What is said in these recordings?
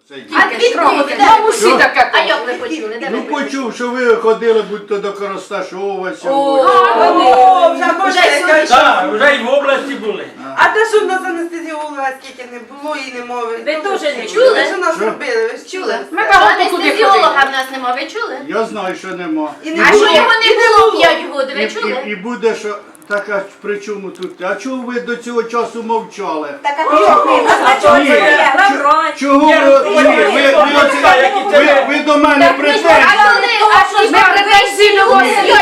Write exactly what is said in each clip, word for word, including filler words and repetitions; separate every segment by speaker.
Speaker 1: А
Speaker 2: Тільки
Speaker 1: Вам усі таке.
Speaker 2: А як ви почули? Де ви
Speaker 3: Ну
Speaker 2: почули?
Speaker 3: почув, що ви ходили будь-то до Коросташова
Speaker 4: О,
Speaker 3: сьогодні.
Speaker 4: вже
Speaker 2: Вже
Speaker 4: можна
Speaker 2: сьогодні.
Speaker 5: Так, вже й в області були.
Speaker 4: А те, що в нас анестезіолога скільки не було і не мови.
Speaker 2: Ви теж не
Speaker 4: чули?
Speaker 2: чули?
Speaker 4: Що нас
Speaker 3: Що?
Speaker 4: робили? Ви ж
Speaker 2: Чули?
Speaker 1: Ми багато куди
Speaker 2: Анестезіолога
Speaker 1: ходили.
Speaker 2: в нас нема, ви чули?
Speaker 3: Я знаю, що нема.
Speaker 4: І
Speaker 2: А
Speaker 4: було.
Speaker 2: що його
Speaker 4: І
Speaker 2: не було п'ять років,
Speaker 3: І,
Speaker 2: ви чули?
Speaker 3: і, і буде, що так, а при чому тут? А чого ви до цього часу мовчали?
Speaker 4: Так, а чого?
Speaker 3: Ні, чо- Чого
Speaker 5: Ні,
Speaker 3: ви,
Speaker 5: ну,
Speaker 3: ні, ви, ви,
Speaker 5: ну,
Speaker 3: оце-
Speaker 5: ну, які це
Speaker 3: ви,
Speaker 5: ви?
Speaker 3: ви до мене претензії?
Speaker 1: Ми претензії не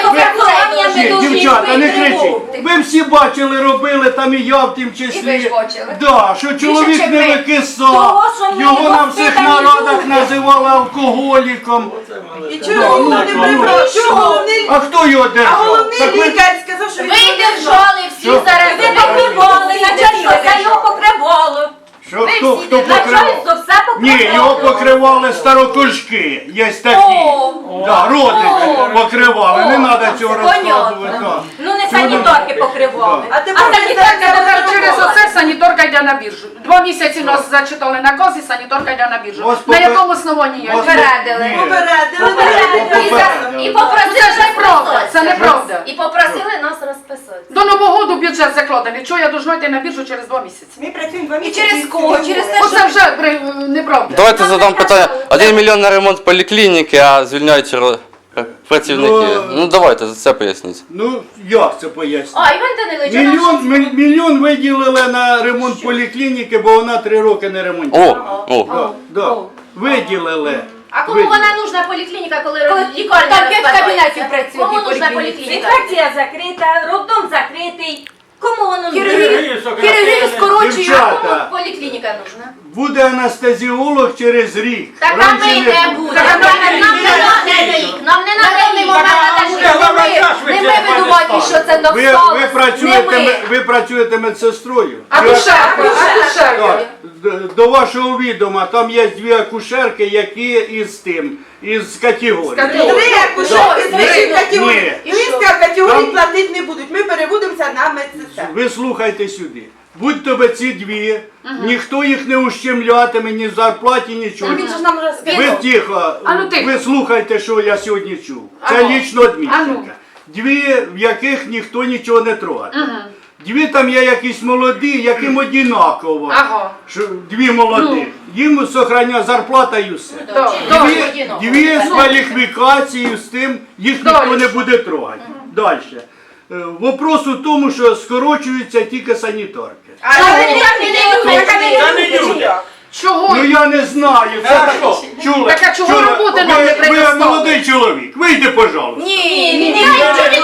Speaker 3: Ні, дівчата, не кричіть. Ви всі бачили, робили, там і я в тім
Speaker 2: І ви ж
Speaker 3: числі.
Speaker 2: бачили.
Speaker 3: Да, що чоловік
Speaker 2: чим
Speaker 3: не
Speaker 2: ви?
Speaker 3: викисав,
Speaker 2: Того, що ми
Speaker 3: його на
Speaker 2: його
Speaker 3: всіх
Speaker 2: впитані
Speaker 3: народах
Speaker 2: люди.
Speaker 3: називали алкоголіком.
Speaker 4: І чого
Speaker 3: Да,
Speaker 4: не
Speaker 3: ну,
Speaker 4: прибрав?
Speaker 2: ну,
Speaker 4: Що головний?
Speaker 3: А хто його
Speaker 4: А
Speaker 3: держав?
Speaker 4: головний
Speaker 3: Так ви-
Speaker 4: лікар сказав, що
Speaker 2: Ви
Speaker 4: він
Speaker 2: держали всі
Speaker 3: Що?
Speaker 2: зараз.
Speaker 6: Ви покривали, начальство за його покривало.
Speaker 3: Що,
Speaker 2: Ви
Speaker 3: хто,
Speaker 2: всі
Speaker 3: хто
Speaker 2: де-
Speaker 3: покривав?
Speaker 6: Начальство все покривало.
Speaker 3: Ні, його покривали старокожки, є такі.
Speaker 6: О,
Speaker 3: Да, родичі
Speaker 6: О.
Speaker 3: покривали, не
Speaker 6: О,
Speaker 3: треба цього
Speaker 6: понятно.
Speaker 3: розказувати. да.
Speaker 6: ну не санітарки покривали.
Speaker 4: А
Speaker 6: А
Speaker 4: тепер
Speaker 6: санітарка
Speaker 1: Тепер
Speaker 6: не
Speaker 1: через
Speaker 6: покривала.
Speaker 1: оце саніторка йде на біржу. Два місяці нас зачитали наказ і саніторка йде на біржу.
Speaker 3: Вас
Speaker 1: На
Speaker 3: попе-
Speaker 1: якому основанні я
Speaker 3: Вас
Speaker 2: Попередили.
Speaker 3: Ні.
Speaker 4: попередили.
Speaker 3: Попередили.
Speaker 2: І за- І
Speaker 1: Це
Speaker 2: попросили
Speaker 1: ж неправда,
Speaker 2: розписатися.
Speaker 1: це неправда.
Speaker 2: І попросили нас розписати.
Speaker 1: До Нового року бюджет закладений. Чого я должна йти на біржу через два місяці?
Speaker 4: Ми працюємо два
Speaker 2: І
Speaker 4: місяці.
Speaker 2: через кого? Через те,
Speaker 1: Оце вже при- неправда.
Speaker 7: Давайте задам питання. Один мільйон на ремонт поліклініки, а звільняють ро- працівники.
Speaker 3: Ну,
Speaker 7: Ну давайте за це поясніть.
Speaker 3: Ну, як це пояснити?
Speaker 2: А, Іван Данилович, а
Speaker 3: Мільйон,
Speaker 2: наші-
Speaker 3: мі- мільйон виділили на ремонт поліклініки, бо вона три роки не
Speaker 7: О,
Speaker 3: ремонтувала.
Speaker 7: о.
Speaker 3: Да, да. Виділили.
Speaker 2: А кому
Speaker 3: Виділили.
Speaker 2: вона нужна поліклініка, коли
Speaker 6: Коли
Speaker 2: лікарня
Speaker 6: там п'ять
Speaker 2: розпадається?
Speaker 6: кабінетів працює
Speaker 2: Кому
Speaker 6: в
Speaker 2: нужна
Speaker 6: поліклініці.
Speaker 2: поліклініка?
Speaker 6: Інфекція закрита, роддом закритий. Кому воно нужно?
Speaker 2: Хірургію скорочують, а
Speaker 3: Дівчата.
Speaker 2: кому поліклініка нужна?
Speaker 3: Буде анестезіолог через рік.
Speaker 2: Так а
Speaker 3: Раніше
Speaker 2: ми
Speaker 3: не
Speaker 2: не
Speaker 3: буде.
Speaker 2: будемо. Нам не треба рік. Нам не треба рік. Нам треба
Speaker 6: Не ми видувати, що це
Speaker 3: Ви,
Speaker 6: досталось.
Speaker 3: ви, працюєте, ме- ви працюєте медсестрою?
Speaker 1: А
Speaker 3: Чи-
Speaker 1: душерка, а душерка.
Speaker 3: Так, д- до вашого відома, там є дві акушерки, які із тим, із категорії.
Speaker 1: Категорії.
Speaker 4: Три акушерки з вищої
Speaker 3: Ні.
Speaker 4: категорії. І він сказав, категорії
Speaker 3: Там-
Speaker 4: платити не будуть. Ми переводимося на медсестер.
Speaker 3: Ви слухайте сюди. Будь тобі ці дві, ніхто їх не ущемлятиме, ні в зарплаті, нічого.
Speaker 6: Він же ж нам розказав.
Speaker 3: Ви тихо,
Speaker 1: А ну тихо.
Speaker 3: ви слухайте, що я сьогодні чув. Це
Speaker 1: Ану.
Speaker 3: лічно
Speaker 1: Ану.
Speaker 3: адмінчика. Дві, в яких ніхто нічого не трогає. Дві там є якісь молоді, яким однаково.
Speaker 1: Ага.
Speaker 3: Що дві молоді. Їм сохраняє зарплата і все.
Speaker 1: Да,
Speaker 3: Дві, дві з кваліфікацією з тим, їх ніхто
Speaker 1: Дальше.
Speaker 3: не буде трогати. Далі. Е, Вопрос у тому, що скорочуються тільки санітарки.
Speaker 4: А
Speaker 2: Чого?
Speaker 4: вони так і не люблять, а
Speaker 5: Та
Speaker 4: не
Speaker 5: не
Speaker 4: люблять.
Speaker 5: люди.
Speaker 1: Чого?
Speaker 3: Ну я не знаю. Це
Speaker 5: А
Speaker 3: так-
Speaker 5: що?
Speaker 3: Чули?
Speaker 1: Так а чого
Speaker 3: Чули?
Speaker 1: роботи нам
Speaker 3: Ви-
Speaker 1: не
Speaker 3: Ви
Speaker 1: предоставили?
Speaker 3: молодий чоловік, вийди, пожалуйста.
Speaker 2: Ні, ні, ні,
Speaker 3: Ні,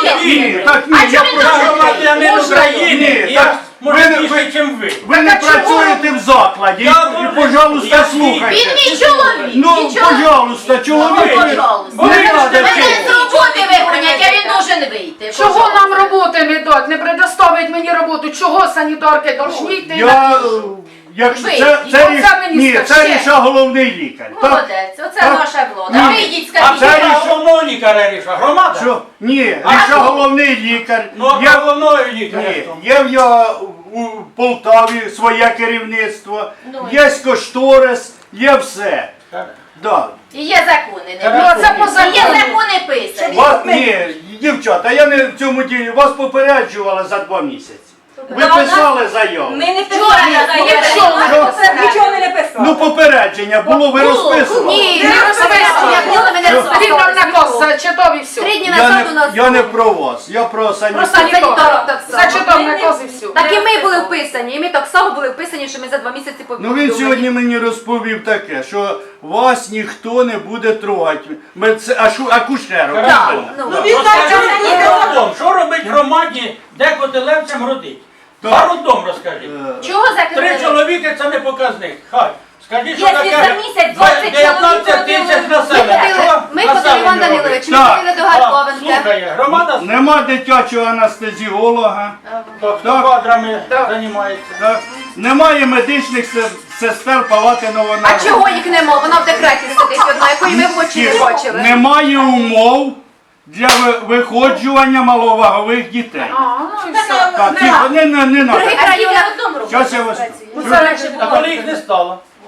Speaker 3: так ні, я
Speaker 2: чого він
Speaker 3: прошу
Speaker 2: должен
Speaker 3: вас.
Speaker 5: Громадянин
Speaker 1: Можна?
Speaker 5: України,
Speaker 3: Ні,
Speaker 5: я
Speaker 3: так
Speaker 5: може
Speaker 3: ви не-
Speaker 5: більше,
Speaker 3: ви-
Speaker 5: ніж ви.
Speaker 3: Ви не
Speaker 1: Так а чого?
Speaker 3: працюєте в закладі,
Speaker 5: Я
Speaker 3: і,
Speaker 5: дуже-
Speaker 3: пожалуйста,
Speaker 5: я
Speaker 3: слухайте.
Speaker 2: Він мій чоловік.
Speaker 3: Ну,
Speaker 2: мій чоловік.
Speaker 3: пожалуйста, чоловік.
Speaker 2: Ну, пожалуйста.
Speaker 3: Не
Speaker 5: Ви
Speaker 3: треба
Speaker 5: ж
Speaker 2: Мене
Speaker 3: цього.
Speaker 2: з роботи вигонять, а він должен вийти.
Speaker 1: Чого
Speaker 2: Пожалуйста.
Speaker 1: нам роботи не дать, не предоставить мені роботу? Чого санітарки должні йти?
Speaker 3: Я,
Speaker 1: на-
Speaker 3: е, якщо
Speaker 2: Ви,
Speaker 3: це,
Speaker 1: і
Speaker 3: це,
Speaker 1: оце
Speaker 3: ріш-
Speaker 1: мені
Speaker 3: ні,
Speaker 1: скажіть.
Speaker 3: це рішає головний лікар. Так?
Speaker 2: Молодець, оце
Speaker 3: Так.
Speaker 2: наша влада.
Speaker 3: Ні.
Speaker 2: Вийдіть,
Speaker 5: А
Speaker 2: скажіть.
Speaker 3: це
Speaker 5: це
Speaker 3: рішення.
Speaker 5: головного лікаря рішає. Громада?
Speaker 3: Що? Ні,
Speaker 2: А
Speaker 3: рішає
Speaker 2: хто?
Speaker 3: головний лікар.
Speaker 5: Ну, а
Speaker 3: Я-
Speaker 5: головного лікаря.
Speaker 3: Ні,
Speaker 5: хто?
Speaker 3: є в я у Полтаві своє керівництво,
Speaker 2: Ну,
Speaker 3: є кошторис, є все. Да.
Speaker 2: І є закони.
Speaker 5: Ну,
Speaker 2: Не
Speaker 1: це поза
Speaker 2: І є закони писані.
Speaker 3: Вас, ні, дівчата, я не в цьому ділі, вас попереджували за два місяці. Ви
Speaker 6: Да,
Speaker 3: писали заяву.
Speaker 6: Ми не
Speaker 2: Вчора
Speaker 6: писали
Speaker 2: я
Speaker 6: заяву.
Speaker 2: заявила.
Speaker 6: Нічого ми не писали.
Speaker 3: Ну попередження було, ви розписували.
Speaker 2: Ні,
Speaker 1: Не
Speaker 2: не
Speaker 1: розписували.
Speaker 2: розписували. Було, ми не
Speaker 1: Він нам
Speaker 2: розписували.
Speaker 1: наказ зачитав і все.
Speaker 2: Три дні
Speaker 3: Я
Speaker 2: назад у
Speaker 3: не,
Speaker 2: нас
Speaker 3: я не
Speaker 2: було.
Speaker 3: про вас, я про
Speaker 1: Про
Speaker 3: санітарів.
Speaker 1: санітарок
Speaker 2: так само.
Speaker 1: зачитав наказ і все.
Speaker 6: Так і ми були вписані, і ми так само були вписані, що ми за два місяці
Speaker 3: Ну
Speaker 6: повідомлені.
Speaker 3: він сьогодні мені розповів таке, що вас ніхто не буде трогати. Медце- ашу- Акушерок.
Speaker 5: Так,
Speaker 3: правильно?
Speaker 6: ну,
Speaker 3: Да.
Speaker 4: Він так
Speaker 5: Розкажіть
Speaker 4: чого не
Speaker 5: про
Speaker 4: казав.
Speaker 5: роддом. Що робить громаді, де котелевцям родить?
Speaker 3: Так.
Speaker 5: За роддом розкажіть.
Speaker 3: Е,
Speaker 2: Чого
Speaker 5: Три
Speaker 2: закрили?
Speaker 5: чоловіки це не показник. Хай. Скажіть, що
Speaker 6: Якщо
Speaker 5: таке
Speaker 6: за місяць двадцять
Speaker 5: дев'ятнадцять
Speaker 6: чоловік
Speaker 5: тисяч
Speaker 6: ходили.
Speaker 5: населення.
Speaker 2: Ми
Speaker 5: Що
Speaker 2: ходили, ми ходили,
Speaker 5: населення
Speaker 2: Іван
Speaker 5: робить?
Speaker 2: Данилович, ми
Speaker 3: Так.
Speaker 2: ходили до
Speaker 5: Так,
Speaker 2: Гарковенка.
Speaker 5: слухає, громада
Speaker 3: Нема дитячого анестезіолога.
Speaker 5: хто
Speaker 3: Так.
Speaker 5: квадрами
Speaker 1: Так.
Speaker 5: займається.
Speaker 3: Так. Немає медичних се- сестер палати
Speaker 6: А
Speaker 3: новонароджених.
Speaker 6: чого їх нема? Вона в декреті сидить одна, якої ми в очі не бачили.
Speaker 3: Немає умов для ви- виходжування маловагових дітей.
Speaker 1: А, ну і все.
Speaker 3: Так, тихо, не, не, не
Speaker 6: В других
Speaker 3: надо.
Speaker 6: районах
Speaker 2: Одному
Speaker 3: Зараз я вас...
Speaker 1: Ну, це легше
Speaker 5: А
Speaker 1: було.
Speaker 5: коли їх не стало?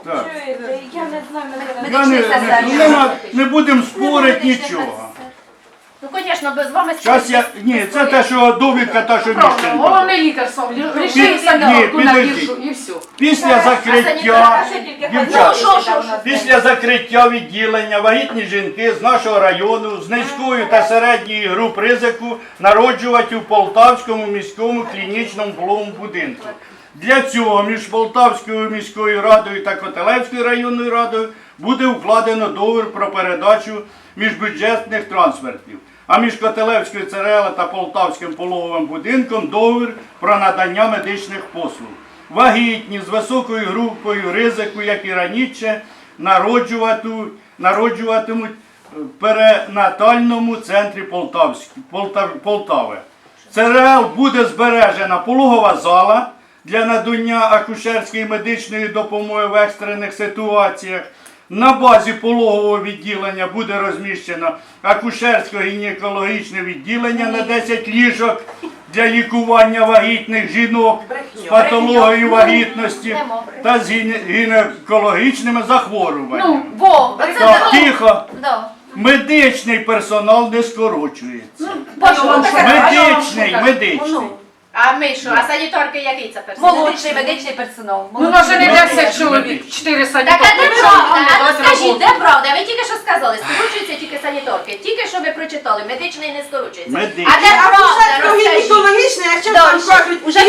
Speaker 3: Так.
Speaker 6: Чуєте, я не знаю, мене
Speaker 3: Я не, не, нема- не будемо спорити нічого.
Speaker 2: Ну, звісно, без вами
Speaker 3: Зараз я. Ні, це те, що довідка, та, що
Speaker 1: Правильно,
Speaker 3: Міщенко.
Speaker 1: головний лікар сам
Speaker 3: Пі-
Speaker 1: рішив
Speaker 3: ні,
Speaker 1: санітарку на
Speaker 3: підожди.
Speaker 1: біржу і все.
Speaker 3: Після закриття,
Speaker 2: Ну,
Speaker 3: дівчата,
Speaker 2: що, що, що?
Speaker 3: після закриття відділення вагітні жінки з нашого району з низькою та середньою груп ризику народжувати у Полтавському міському клінічному пологовому будинку. Для цього між Полтавською міською радою та Котелевською районною радою буде укладено договір про передачу міжбюджетних трансфертів. А між Котелевською ЦРЛ та Полтавським пологовим будинком договір про надання медичних послуг. Вагітні з високою групою ризику, як і раніше, народжуватимуть, народжуватимуть в перинатальному центрі Полтавськ- Полтав- Полтави. ЦРЛ буде збережена пологова зала для надання акушерської медичної допомоги в екстрених ситуаціях. На базі пологового відділення буде розміщено акушерсько-гінекологічне відділення на десять ліжок для лікування вагітних жінок з патологією вагітності та з гіне- гінекологічними захворюваннями.
Speaker 2: Ну, во, оце
Speaker 3: Так,
Speaker 2: да.
Speaker 3: тихо.
Speaker 2: Да.
Speaker 3: Медичний персонал не скорочується.
Speaker 1: Бачу,
Speaker 3: Медичний, медичний.
Speaker 2: А ми що, а санітарки який це персонал?
Speaker 6: Молодший медичний персонал.
Speaker 1: Ну, може не десять чоловік, чотири
Speaker 2: Так, а
Speaker 1: санітарки.
Speaker 2: де
Speaker 1: що
Speaker 2: правда?
Speaker 1: вони
Speaker 2: А ну
Speaker 1: дають
Speaker 2: скажіть,
Speaker 1: роботу.
Speaker 2: де правда? Ви тільки що сказали, скорочуються тільки санітарки. Тільки що ви прочитали, медичний не скорочується.
Speaker 3: Медичний.
Speaker 2: А де
Speaker 4: А
Speaker 2: правда?
Speaker 4: вже
Speaker 2: Розкажіть.
Speaker 4: гінекологічне, а що
Speaker 2: Да,
Speaker 4: там
Speaker 2: ще-
Speaker 4: кажуть?
Speaker 2: уже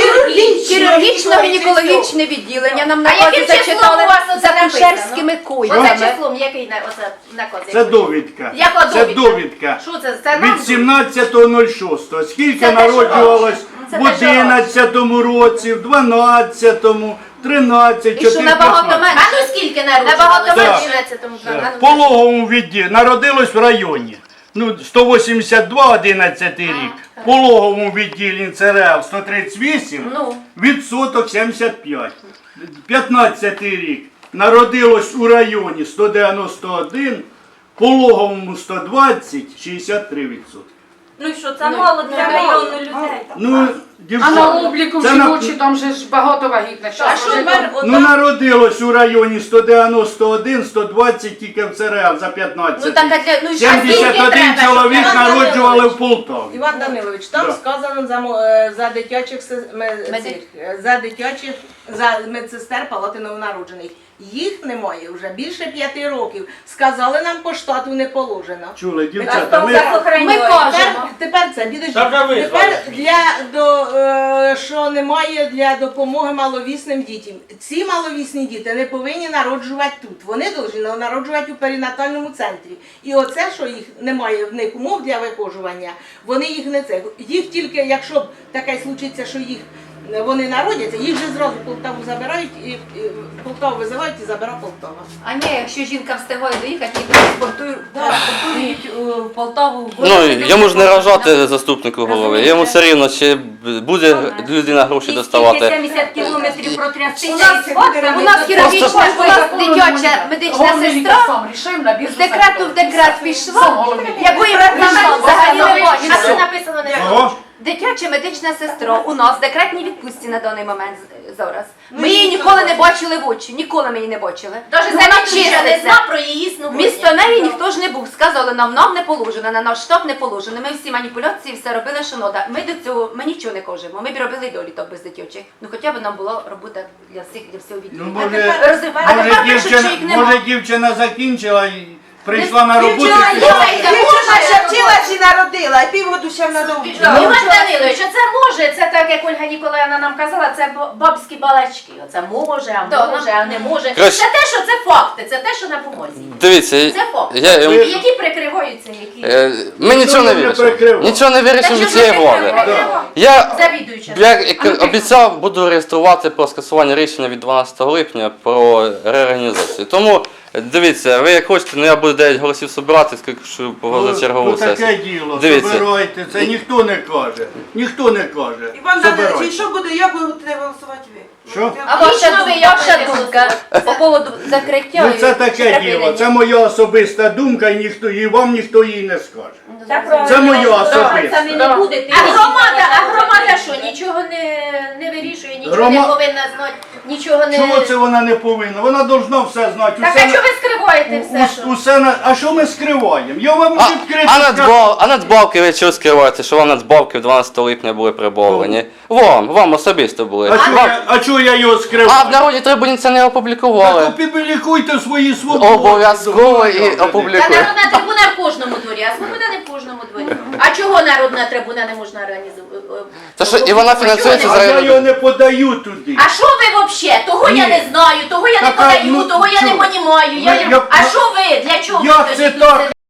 Speaker 8: Хірургічно-гінекологічне відділення нам
Speaker 2: А
Speaker 8: накази
Speaker 2: яким числом
Speaker 8: зачитали
Speaker 2: у вас оце
Speaker 8: за кушерськими
Speaker 2: написано?
Speaker 8: койками.
Speaker 2: Оце числом, який на- оце наказ?
Speaker 3: Це довідка.
Speaker 2: Яка
Speaker 3: Це
Speaker 2: довідка?
Speaker 3: довідка.
Speaker 2: Що це? Це нам
Speaker 3: Від сімнадцятого лютого скільки
Speaker 2: Це те, що
Speaker 3: народжувалось
Speaker 2: Це
Speaker 3: в
Speaker 2: те, що
Speaker 3: одинадцятому році, в дванадцятому, тринадцятому,
Speaker 8: І що набагато
Speaker 3: чотирнадцятому.
Speaker 8: менше.
Speaker 2: А ну скільки народжувалося?
Speaker 8: Набагато
Speaker 3: Так.
Speaker 2: В одинадцятому
Speaker 3: В пологовому відділі народилось в районі. Ну, сто вісімдесят два, одинадцятий рік. В пологовому відділі ЦРЛ сто тридцять вісім,
Speaker 2: Ну.
Speaker 3: відсоток сімдесят п'ять. п'ятнадцятий рік народилось у районі сто дев'яносто один, в пологовому сто двадцять, шістдесят три відсотки.
Speaker 6: Ну і що, це мало для мільйону людей.
Speaker 3: Ну,
Speaker 1: А на
Speaker 3: дівчата,
Speaker 1: обліку
Speaker 3: це на-
Speaker 1: жіночі там же ж багато вагітних.
Speaker 6: А
Speaker 1: Щас
Speaker 6: що
Speaker 1: вже
Speaker 6: тепер
Speaker 1: там-
Speaker 3: Ну народилось у районі сто дев'яносто один, сто двадцять тільки в ЦРЛ за п'ятнадцять.
Speaker 8: Ну так, а для, ну, і що?
Speaker 3: сімдесят один
Speaker 2: треба,
Speaker 3: чоловік
Speaker 2: щоб
Speaker 3: народжували в Полтаві.
Speaker 9: Іван Данилович, там
Speaker 3: Да.
Speaker 9: сказано за, мо- е, за дитячих се- ме-
Speaker 8: Меди-
Speaker 9: цих, е, за дитячих за медсестер палати новонароджених. Їх немає вже більше п'яти років. Сказали нам по штату не положено.
Speaker 3: Чули,
Speaker 6: А
Speaker 3: дівчата,
Speaker 6: хто
Speaker 3: ми...
Speaker 6: за охороняє?
Speaker 8: Ми кажемо.
Speaker 9: Тепер, тепер це підожди.
Speaker 5: Та вже ви
Speaker 9: Тепер
Speaker 5: знаєте.
Speaker 9: для до е, що немає для допомоги маловісним дітям. Ці маловісні діти не повинні народжувати тут. Вони повинні народжувати у перинатальному центрі. І оце, що їх немає в них умов для вихожування, вони їх не це. Їх тільки, якщо б таке случиться, що їх вони народяться, їх вже зразу в Полтаву забирають і, і Полтаву визивають і забира Полтава.
Speaker 8: А ні, якщо жінка встигає доїхати, їх транспортують транспортують у Полтаву. в
Speaker 7: Ну,
Speaker 8: Город.
Speaker 7: йому ж не рожати заступнику голови. Йому все рівно, чи буде людина гроші
Speaker 6: І
Speaker 7: доставати.
Speaker 6: скільки сімдесят кілометрів протрясти.
Speaker 8: У нас, у нас хірургічна, у нас дитяча медична
Speaker 1: Головний лікар
Speaker 8: сестра
Speaker 1: сам рішив на біржу
Speaker 8: з декрету в декрет
Speaker 1: Сам
Speaker 8: пішла,
Speaker 1: головний лікар.
Speaker 8: якої нам взагалі не
Speaker 2: А це
Speaker 8: бачила.
Speaker 2: написано не
Speaker 3: Ого.
Speaker 8: Дитяча медична сестра у нас в декретній відпустці на даний момент з- зараз. Ми її ніколи не бачили в очі, ніколи ми її не бачили.
Speaker 2: Даже
Speaker 8: Ну, вона
Speaker 2: завідуюча не
Speaker 8: чиститься.
Speaker 2: знав про її існування.
Speaker 8: Місто неї ніхто ж не був. Сказали нам, нам не положено, на наш штаб не положено. Ми всі маніпуляції, все робили, що нода. Ми до цього, ми нічого не кажемо. Ми б робили доліток без дитячих. Ну хоча б нам була робота для всіх, для всього
Speaker 3: Ну,
Speaker 8: відділу.
Speaker 3: може,
Speaker 8: Розумієте? А
Speaker 3: може,
Speaker 8: тепер пишуть, що
Speaker 3: дівчина,
Speaker 8: їх нема.
Speaker 3: може дівчина закінчила і прийшла на роботу.
Speaker 4: Дівчина,
Speaker 3: і пішла.
Speaker 4: дівчина ще вчила чи народила, і півгоду ще вона довго.
Speaker 2: Іван Данилович, оце може, це так, як Ольга Ніколаївна нам казала, це б- бабські балачки. Оце може, а
Speaker 8: Да,
Speaker 2: може, а не може.
Speaker 7: Коротше.
Speaker 2: Це те, що це факти, це те, що на бумазі.
Speaker 7: Дивіться,
Speaker 2: Це факт.
Speaker 7: я,
Speaker 2: І
Speaker 7: я,
Speaker 2: які прикриваються, які...
Speaker 7: е, ми нічого не
Speaker 3: не
Speaker 7: вирішимо.
Speaker 3: прикривав.
Speaker 7: Нічого не вирішимо
Speaker 2: Та
Speaker 7: від
Speaker 2: що
Speaker 7: цієї
Speaker 2: ви
Speaker 7: влади.
Speaker 2: прикривали?
Speaker 7: Я,
Speaker 2: Завідуюча.
Speaker 7: я як обіцяв, буду реєструвати про скасування рішення від дванадцятого липня про реорганізацію. Тому дивіться, ви як хочете, ну я буду дев'ять голосів збирати, скільки що
Speaker 3: Ну,
Speaker 7: чергову
Speaker 3: ну, таке
Speaker 7: сесію.
Speaker 3: діло,
Speaker 7: Дивіться.
Speaker 3: собирайте, це ніхто не каже. Ніхто не каже.
Speaker 4: Іван Данилович, і
Speaker 3: Собирайте.
Speaker 4: що буде, як ви будете голосувати ви?
Speaker 3: Що?
Speaker 8: А ваша, ваша думка по поводу закриття?
Speaker 3: Ну це
Speaker 8: і
Speaker 3: таке
Speaker 8: припинення?
Speaker 3: діло, це моя особиста думка, і ніхто і вам ніхто її не скаже.
Speaker 6: Так, правильно.
Speaker 3: Це моя
Speaker 6: Самі
Speaker 3: особиста.
Speaker 6: не будете.
Speaker 2: А громада, а громада що, нічого не, не вирішує, нічого
Speaker 3: Грома-
Speaker 2: не повинна знати, нічого не...
Speaker 3: Чого це вона не повинна? Вона должна все знати.
Speaker 2: Так
Speaker 3: Усе
Speaker 2: а
Speaker 3: на-
Speaker 2: чого ви скриваєте все,
Speaker 3: ус-
Speaker 2: що?
Speaker 3: усе на... А що ми скриваємо? Я вам
Speaker 7: А,
Speaker 3: відкрито
Speaker 7: а,
Speaker 3: скажу.
Speaker 7: надбав, а надбавки ви чого скриваєте, що вам надбавки дванадцятого липня були прибавлені? Вам, вам особисто були.
Speaker 3: А чого
Speaker 7: Вам-
Speaker 3: я, а чого я його скриваю?
Speaker 7: А в народі трибуні це не опублікували.
Speaker 3: Так опублікуйте свої свободи.
Speaker 7: Обов'язково і
Speaker 2: Та
Speaker 7: опублікуйте.
Speaker 2: народна трибуна в кожному дворі, а свобода не в кожному дворі. А чого народна трибуна не можна організувати?
Speaker 7: Та що, і вона фінансується
Speaker 3: А
Speaker 7: за-
Speaker 3: я його не подаю туди.
Speaker 2: А що ви взагалі? Того я
Speaker 3: Ні.
Speaker 2: не знаю, того я не
Speaker 3: Так, а,
Speaker 2: подаю,
Speaker 3: ну,
Speaker 2: того я не
Speaker 3: чого?
Speaker 2: понімаю. Я...
Speaker 3: Ну, я-
Speaker 2: А що ви? Для чого ви
Speaker 3: Як
Speaker 2: тоді
Speaker 3: це
Speaker 2: тут
Speaker 3: так?
Speaker 2: сидите?